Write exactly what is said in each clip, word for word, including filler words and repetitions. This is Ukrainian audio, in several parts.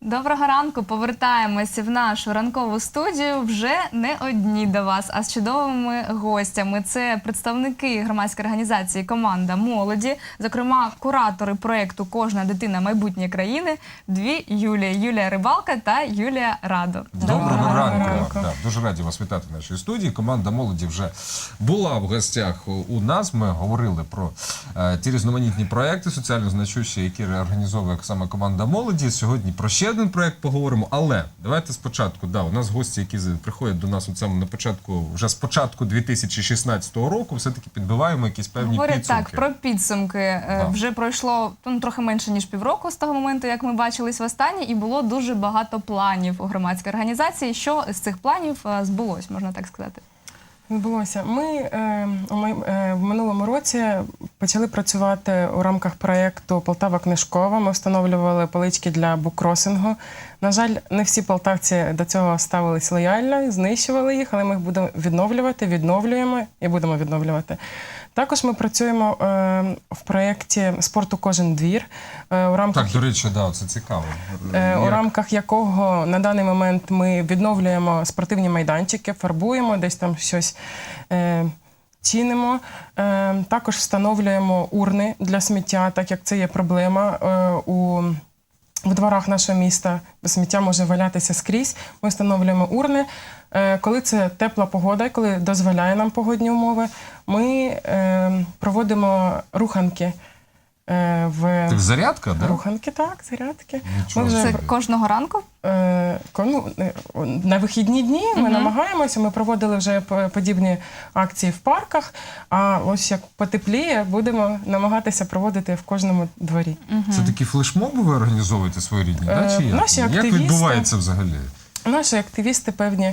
Доброго ранку, повертаємося в нашу ранкову студію вже не одні до вас, а з чудовими гостями. Це представники громадської організації «Команда молоді», зокрема куратори проєкту «Кожна дитина – майбутнє країни» дві Юлії. Юлія Рибалка та Юлія Радо. Доброго, Доброго ранку. ранку. Да, дуже раді вас вітати в нашій студії. Команда молоді вже була в гостях у нас. Ми говорили про е, ті різноманітні проекти соціально значущі, які організовує саме команда молоді. Сьогодні про ще один проект поговоримо, але давайте спочатку, да, у нас гості, які приходять до нас от саме на початку, вже з початку дві тисячі шістнадцятого року, все-таки підбиваємо якісь певні Говорять підсумки. так, про підсумки. Да. Вже пройшло ну, трохи менше, ніж півроку з того моменту, як ми бачились востаннє, і було дуже багато планів у громадській організації. Що з цих планів е, збулось, можна так сказати? Відбулося. Ми е, у май- е, в минулому році почали працювати у рамках проєкту «Полтава книжкова». Ми встановлювали полички для буккросингу. На жаль, не всі полтавці до цього ставились лояльно, знищували їх, але ми їх будемо відновлювати, відновлюємо і будемо відновлювати. Також ми працюємо е, в проєкті «Спорту кожен двір», е, у рамках Так, до речі, да, це цікаво. Е, у Як? рамках якого на даний момент ми відновлюємо спортивні майданчики, фарбуємо, десь там щось е, чинимо. Е, також встановлюємо урни для сміття, так як це є проблема е, у в дворах нашого міста. Сміття може валятися скрізь. Ми встановлюємо урни. Е, коли це тепла погода, коли дозволяє нам погодні умови, ми е, проводимо руханки. Е, в... Так, зарядка, да? Руханки, так, зарядки. Нічого Ми вже, Це собі. кожного ранку? е, ко- ну, е, на вихідні дні ми Мгм. намагаємося, ми проводили вже по- подібні акції в парках, а ось як потепліє, будемо намагатися проводити в кожному дворі. Це такі флешмоби ви організовуєте своєрідні, да, Е, чи як? наші Як активісти- відбувається взагалі? Наші активісти певні,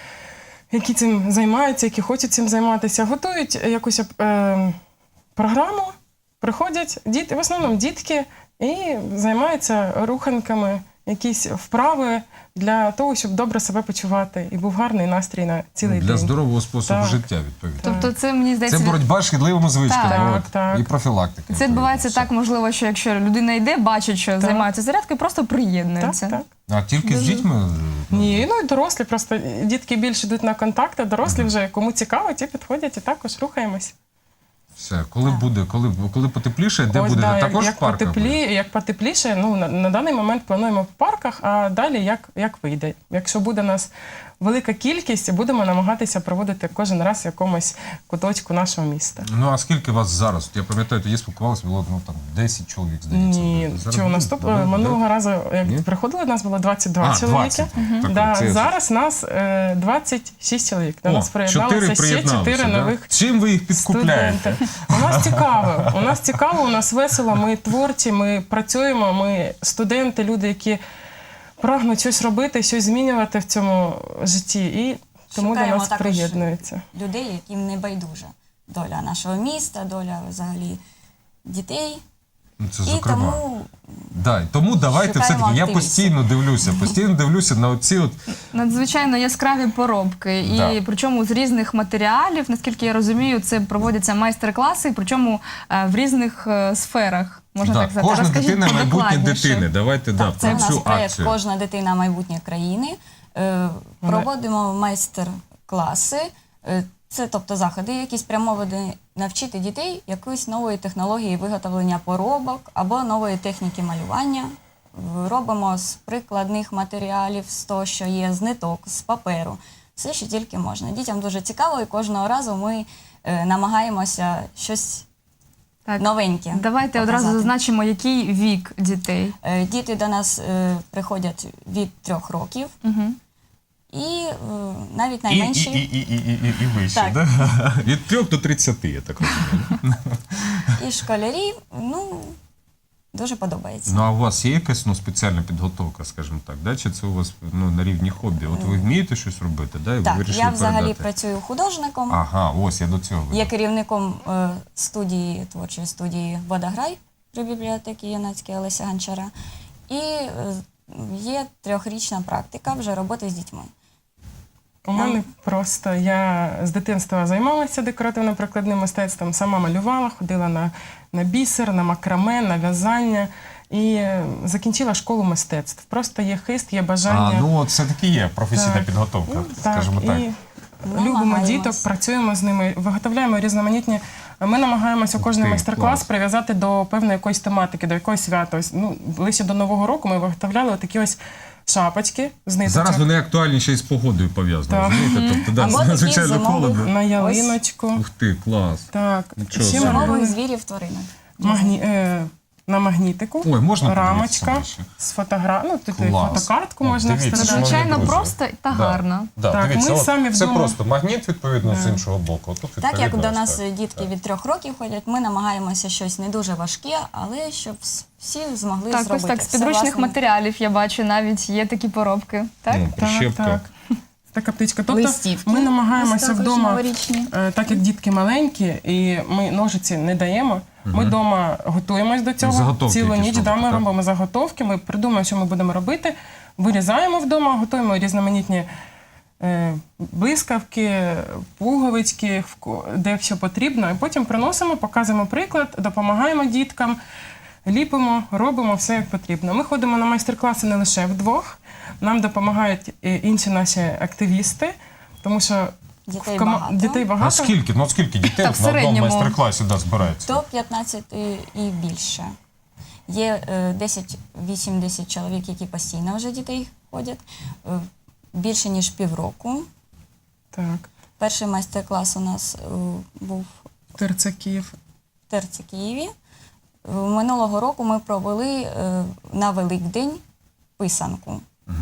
які цим займаються, які хочуть цим займатися, готують якусь е, програму, приходять діти, в основному дітки, і займаються руханками, якісь вправи для того, щоб добре себе почувати. І був гарний настрій на цілий Для день. здорового способу Так. життя, відповідно. Тобто це, мені Це здається, боротьба з шкідливими звичками, Так, от, так. і профілактика. це відбувається так, можливо, що якщо людина йде, бачить, що займаються зарядкою, просто Так, приєднується. так. А тільки з дітьми? Ні, ну і дорослі, просто дітки більше йдуть на контакти, дорослі вже кому цікаво, ті підходять і також рухаємось. Все, коли буде, коли, коли потепліше, де Ось, будете? да, Також як, в парках? потеплі, будете? як потепліше, ну, на, на даний момент плануємо в парках, а далі як, як вийде. Якщо буде нас велика кількість, будемо намагатися проводити кожен раз в якомусь куточку нашого міста. Ну, а скільки вас зараз? От я пам'ятаю, тоді спілкувалися, було ну, там, десять чоловік, здається. Ні, Зараз чого, буде? наступ... Да, минулого да. разу, як Ні? приходили, нас було двадцять два А, чоловіки. двадцять. Так, Да, це- зараз нас е, двадцять шість чоловік. До О, нас приєдналося чотири ще приєдналися, чотири да? нових Чим ви їх підкупляєте? студенти. У нас цікаво, у нас цікаво, у нас весело, ми творчі, ми працюємо, ми студенти, люди, які прагнуть щось робити, щось змінювати в цьому житті, і тому Шукаємо до нас також приєднуються. людей, яким не байдужа доля нашого міста, доля взагалі дітей. Ну, це І зокрема. тому Да, тому давайте шукаємо все-таки, я активістів. постійно дивлюся, постійно дивлюся на оці от Надзвичайно яскраві поробки, і Да. причому з різних матеріалів, наскільки я розумію, це проводяться майстер-класи, причому е, в різних е, сферах, можна да, так сказати. кожна Розкажіть дитина майбутнє подокладніше. дитини. Давайте да, це про у нас цю проєкт акцію. «Кожна дитина – майбутнє країни». Е, Проводимо майстер-класи. Е, Це тобто заходи, які спрямовані навчити дітей якоїсь нової технології виготовлення поробок або нової техніки малювання. В- Робимо з прикладних матеріалів, з того, що є, з ниток, з паперу. Все, що тільки можна. Дітям дуже цікаво, і кожного разу ми е, намагаємося щось Так. новеньке Давайте показати. одразу зазначимо, який вік дітей. Е, Діти до нас е, приходять від трьох років, Угу. і е, навіть І, і, найменші. і, і, і, і, і вище, Так. да? Від трьох до тридцяти, я так розумію. І школярі, ну, дуже подобається. Ну, а у вас є якась ну, спеціальна підготовка, скажімо так, да? Чи це у вас ну, на рівні хобі? От ви вмієте щось робити, да? І ви Так, вирішили я взагалі передати? працюю художником, Ага, ось я до цього веду. є керівником е, студії, творчої студії «Водограй» при бібліотеці Янацької Олеся Гончара. І е, є трьохрічна практика вже роботи з дітьми. У мене просто, я з дитинства займалася декоративно-прикладним мистецтвом, сама малювала, ходила на, на бісер, на макраме, на в'язання. і е, закінчила школу мистецтв. Просто є хист, є бажання. А, ну от все-таки є професійна Так. підготовка, скажімо так. І Намагаємось. любимо діток, працюємо з ними, виготовляємо різноманітні. Ми намагаємося кожен ти, майстер-клас клас. прив'язати до певної якоїсь тематики, до якогось свята. Ось, ну, ближче до Нового року ми виготовляли такі ось шапочки з ниточок. Зараз вони актуальні ще й з погодою пов'язані. Так. Розумієте? Тобто, да, Або такі надзвичайно зимові. холодно. на ялиночку. Ух ти, клас. Так. Нічого Ще собі. ми Зимових робили звірів тваринок. магні... е... на магнітику. Ой, можна рамочка подивитися з фотогра... ну, тут і Клас. фотокартку О, можна дивіться, вставляти. шановні Звичайно, друзі. просто та Да. гарно. Да, Так, дивіться, ми от самі це вдома- просто магніт, відповідно, з іншого боку. Тут, Так як відповідно, до ось нас так. дітки від трьох років ходять, ми намагаємося щось не дуже важке, але щоб с- всі змогли Так, зробити. ось так, з все підручних власним. матеріалів я бачу, навіть є такі поробки. Так? Ну, Так, прищепка. так. Така птичка. Тобто Листівки. ми намагаємося Ось також вдома, новорічні. е, так як дітки маленькі, і ми ножиці не даємо, ми вдома готуємось до цього. Заготовки Цілу якісь ніч да, робите, ми так? робимо заготовки, ми придумаємо, що ми будемо робити, вирізаємо вдома, готуємо різноманітні е, блискавки, пуговички, вко- де що потрібно, і потім приносимо, показуємо приклад, допомагаємо діткам. Ліпимо, робимо все як потрібно. Ми ходимо на майстер-класи не лише вдвох, нам допомагають і інші наші активісти, тому що Дітей в кома- багато. дітей А багато. скільки? Ну от скільки дітей Так, от в на одному середньому. майстер-класі да, збирається? До п'ятнадцяти і більше. Є е, десять-вісім-десять чоловік, які постійно вже дітей ходять, е, більше ніж півроку. Так, Перший майстер-клас у нас е, був терцаків. в Терці Києві. Е, Минулого року ми провели е, на Великдень писанку.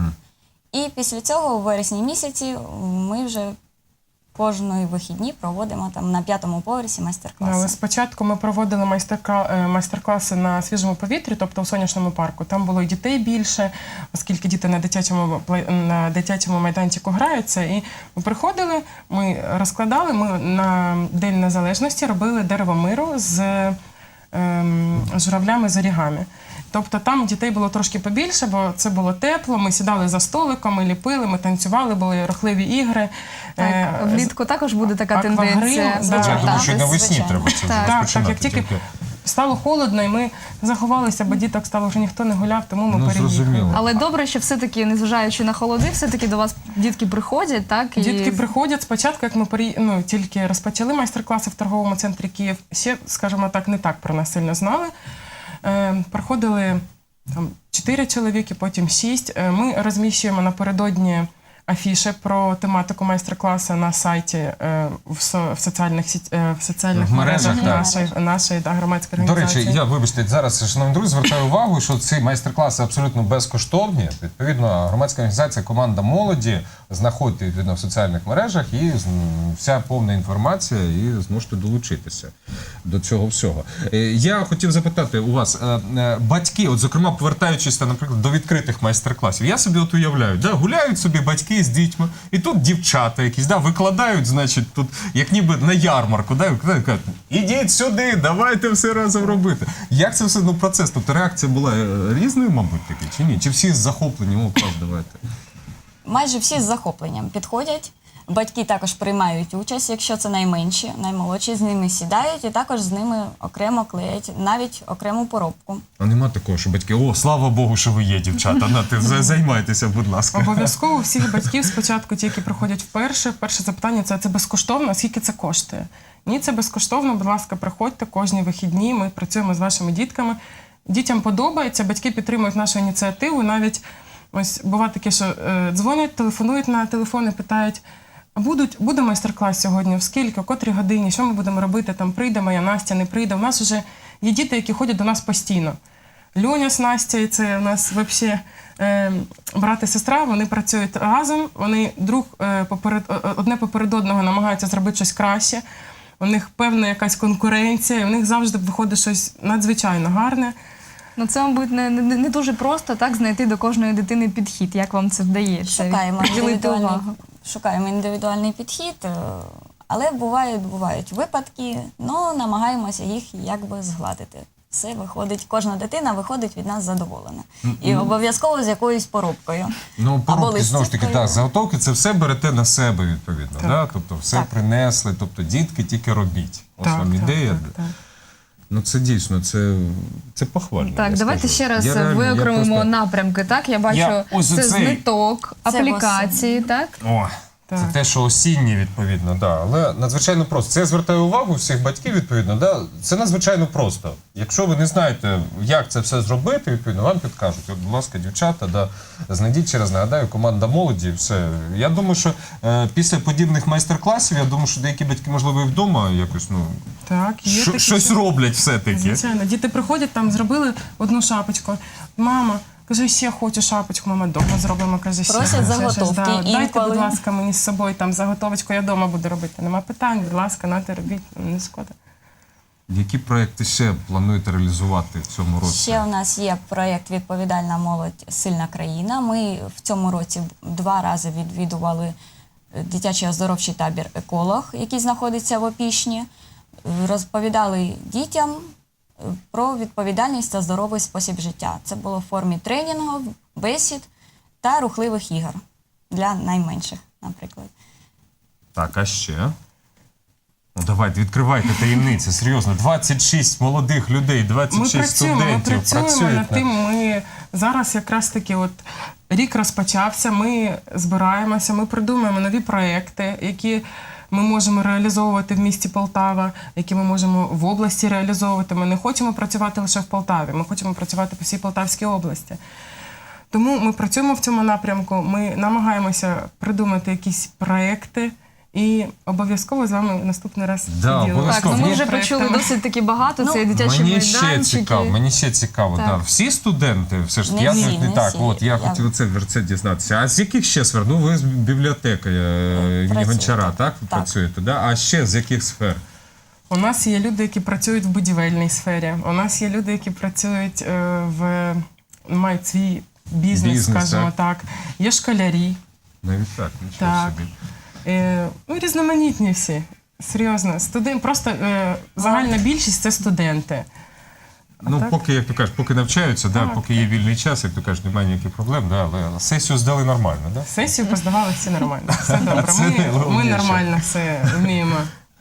І після цього, у вересні місяці, ми вже кожної вихідні проводимо там на п'ятому поверсі Але майстер-класи. спочатку ми проводили майстер-кла- е, майстер-класи на свіжому повітрі, тобто у сонячному парку. Там було і дітей більше, оскільки діти на дитячому, плей- на дитячому майданчику граються. І ми приходили, ми розкладали, ми на День Незалежності робили дерево миру з ем, журавлями з орігамі. Тобто там дітей було трошки побільше, бо це було тепло, ми сідали за столиком, ми ліпили, ми танцювали, були рухливі ігри. Так, Е, влітку також буде така аквагрим, тенденція. да. Я Так, думаю, що й навесні звичайно. треба це Так. Так, так, розпочинати. як тільки тільки. стало холодно, і ми заховалися, бо діток стало вже ніхто не гуляв, тому ми Ну, переїхали. зрозуміло. Але добре, що все-таки, незважаючи на холоди, все-таки до вас дітки приходять, так? І... Дітки приходять спочатку, як ми переї... ну, тільки розпочали майстер-класи в торговому центрі Київ, ще, скажімо так, не так про нас сильно знали. Е, приходили там чотири чоловіки, потім шість. Е, ми розміщуємо напередодні афіші про тематику майстер-класу на сайті е, в, со... в соціальних, сіт... е, в соціальних В мережах, мережах так. нашої, нашої да, громадської До організації. речі, я вибачте, зараз, шановні друзі, звертаю увагу, що ці майстер-класи абсолютно безкоштовні. Відповідно, громадська організація «Команда молоді» знаходите відповідно в соціальних мережах і з- вся повна інформація, і зможете долучитися до цього всього. Е, Я хотів запитати у вас, е, е, батьки, от зокрема, повертаючись, та, наприклад, до відкритих майстер-класів, я собі от уявляю, да, гуляють собі батьки з дітьми, і тут дівчата якісь, да, викладають, значить, тут, як ніби на ярмарку, да, і кажуть, ідіть сюди, давайте все разом робити. Як це все, ну, процес, тобто реакція була е, різною, мабуть, таки, чи ні? Чи всі з захопленням, о, клас, давайте. Майже всі з захопленням підходять. Батьки також приймають участь, якщо це найменші, наймолодші, з ними сідають і також з ними окремо клеять, навіть окрему поробку. А нема такого, що батьки, о, слава Богу, що ви є, дівчата, на, ти за- займайтеся, будь ласка. Обов'язково у всіх батьків спочатку, ті, які приходять вперше, перше запитання це, це безкоштовно, а скільки це коштує? Ні, це безкоштовно, будь ласка, приходьте кожні вихідні, ми працюємо з вашими дітками. Дітям подобається, батьки підтримують нашу ініціативу, навіть ось буває таке, що е, дзвонять, телефонують на телефони, питають, а будуть, буде майстер-клас сьогодні, в скільки, о котрій годині, що ми будемо робити, там прийде моя Настя, не прийде. У нас вже є діти, які ходять до нас постійно. Льоня з Настею, це у нас взагалі е, брат і сестра, вони працюють разом, вони друг е, поперед, о- одне поперед одного намагаються зробити щось краще. У них певна якась конкуренція, і у них завжди виходить щось надзвичайно гарне. Ну, це, мабуть, не, не, не дуже просто так знайти до кожної дитини підхід. Як вам це вдається? Шукаємо Приділити індивідуальний, увагу. шукаємо індивідуальний підхід, е, але бувають, бувають випадки, але намагаємося їх якби згладити. Все виходить, кожна дитина виходить від нас задоволена. І обов'язково з якоюсь поробкою. Ну, Або поробки, знову ж таки, листівкою. так, заготовки, це все берете на себе, відповідно. Так. Да? Тобто все Так. принесли, тобто дітки тільки робіть. Ось Так, вам так, ідея. так, так. Ну це дійсно, це, це похвально. Так, я давайте скажу. ще раз Я реально- я виокремимо просто- напрямки. Так, я бачу, Я ось це оцей- зниток, Це аплікації, так? О, Так. це те, що осіннє, відповідно, да. Але надзвичайно просто. Це я звертаю увагу всіх батьків, відповідно, да. Це надзвичайно просто. Якщо ви не знаєте, як це все зробити, відповідно, вам підкажуть. От, будь ласка, дівчата, да, знайдіть, ще раз нагадаю, команда молоді, все. Я думаю, що е, після подібних майстер-класів, я думаю, що деякі батьки, можливо, і вдома якось, ну, Так, є що- такі, щось що- роблять все-таки. Звичайно, діти приходять, там зробили одну шапочку. Мама, каже, ще хочу шапочку, мама, вдома зробимо, каже, ще. Просять Ще щось, заготовки, да. Дайте, інколи. будь ласка, мені з собою там заготовочку, я вдома буду робити. Нема питань, будь ласка, нате робіть, не шкода. Які проекти ще плануєте реалізувати в цьому році? Ще у нас є проєкт «Відповідальна молодь. Сильна країна». Ми в цьому році два рази відвідували дитячий оздоровчий табір «Еколог», який знаходиться в Опішні. Розповідали дітям про відповідальність та здоровий спосіб життя. Це було в формі тренінгу, бесід та рухливих ігор для найменших, наприклад. Так, а ще? Ну давайте, відкривайте таємниці, серйозно. двадцять шість молодих людей, двадцять Ми шість працюємо, ми студентів працюємо працюють над тим. Ми зараз якраз таки от рік розпочався, ми збираємося, ми придумуємо нові проекти, які ми можемо реалізовувати в місті Полтава, які ми можемо в області реалізовувати. Ми не хочемо працювати лише в Полтаві, ми хочемо працювати по всій Полтавській області. Тому ми працюємо в цьому напрямку, ми намагаємося придумати якісь проекти і обов'язково з вами наступний раз Да, поділимося. обов'язково. Так, ну ми Є вже почули проектами. досить таки багато. Ну, Це і дитячі Мені майданчики. ще цікаво, мені ще цікаво. Так. Да. Всі студенти, все ж таки, Не я всі, не не так, всі. от я Я- хотів це, це дізнатися. А з яких ще сфер? Ну, ви з бібліотеки е, імені Працюю. Гончара, так? Ви Так. працюєте, да? А ще з яких сфер? У нас є люди, які працюють в будівельній сфері. У нас є люди, які працюють е, в мають свій бізнес, Бізнес, скажімо так. Є школярі, Навіть так, нічого Так. собі. е, ну, різноманітні всі. Серйозно, студент, просто е, загальна більшість це студенти. Ну, так? поки, як то кажуть, поки навчаються, да, Так, поки є вільний час, як то кажуть, немає ніяких проблем, да, але сесію здали нормально, да? Сесію поздавали всі нормально. Все добре. Це Ми, ми найголовніше. нормально все вміємо.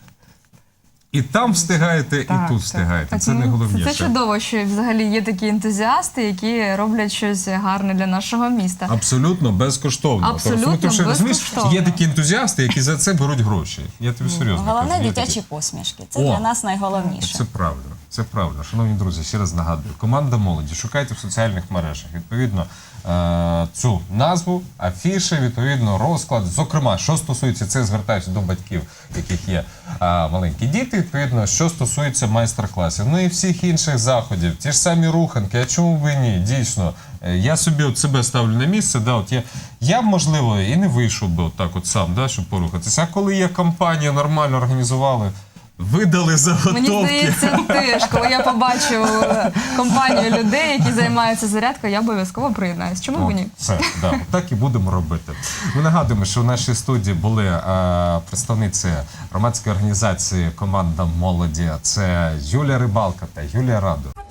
І там встигаєте, і Так, тут так. встигаєте. Так, Це ну, найголовніше. Це чудово, що взагалі є такі ентузіасти, які роблять щось гарне для нашого міста. Абсолютно безкоштовно. Абсолютно Тобто, тому що, розумієш, безкоштовно. Є такі ентузіасти, які за це беруть гроші. Я тобі серйозно Головне кажу. Є дитячі такі. посмішки. Це О, для нас найголовніше. Це правильно. Це правильно. Шановні друзі, ще раз нагадую. Команда молоді. Шукайте в соціальних мережах. Відповідно, е, цю назву, афіши, відповідно, розклад. Зокрема, що стосується, це звертаюся до батьків, яких є е, маленькі діти, відповідно, що стосується майстер-класів. Ну і всіх інших заходів. Ті ж самі руханки. А чому б і ні? Дійсно. Е, Я собі от себе ставлю на місце. Да, от я, я б, можливо, і не вийшов би от так от сам, да, щоб порухатися. А коли є компанія, нормально організували, видали заготовки. Мені здається, теж, коли я побачу е, компанію людей, які займаються зарядкою, я обов'язково приєднаюсь. Чому б і ні? От, все, да, так і будемо робити. Ми нагадуємо, що в нашій студії були е, представниці громадської організації «Команда молоді». Це Юлія Рибалка та Юлія Радо.